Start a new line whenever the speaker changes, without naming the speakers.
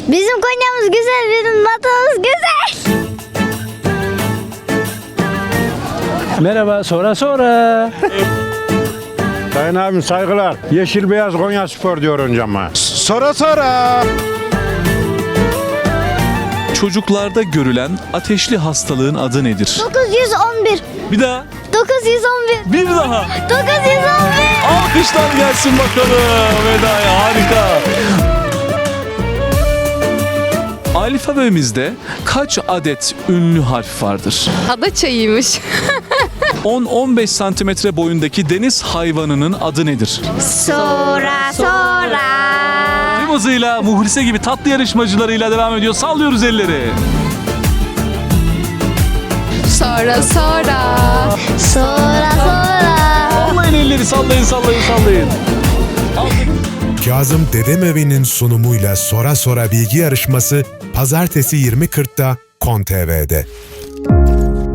Bizim Konya'mız güzel, bizim vatanımız güzel.
Merhaba, sonra.
Sayın abim saygılar. Yeşil beyaz Konya Spor diyor öncama. Sonra.
Çocuklarda görülen ateşli hastalığın adı nedir?
911.
Bir daha.
911.
Bir daha.
911.
Alkışlar gelsin bakalım Veda'ya, harika. Alfabemizde kaç adet ünlü harf vardır?
Ada çayıymış.
10-15 santimetre boyundaki deniz hayvanının adı nedir?
Sonra.
Tüm hızıyla Muhlise gibi tatlı yarışmacılarıyla devam ediyor. Sallıyoruz elleri.
Sonra.
Sonra.
Sallayın elleri, sallayın.
Kazım Dedemevi'nin sunumuyla Sora bilgi yarışması Pazartesi 20.40'da KON TV'de.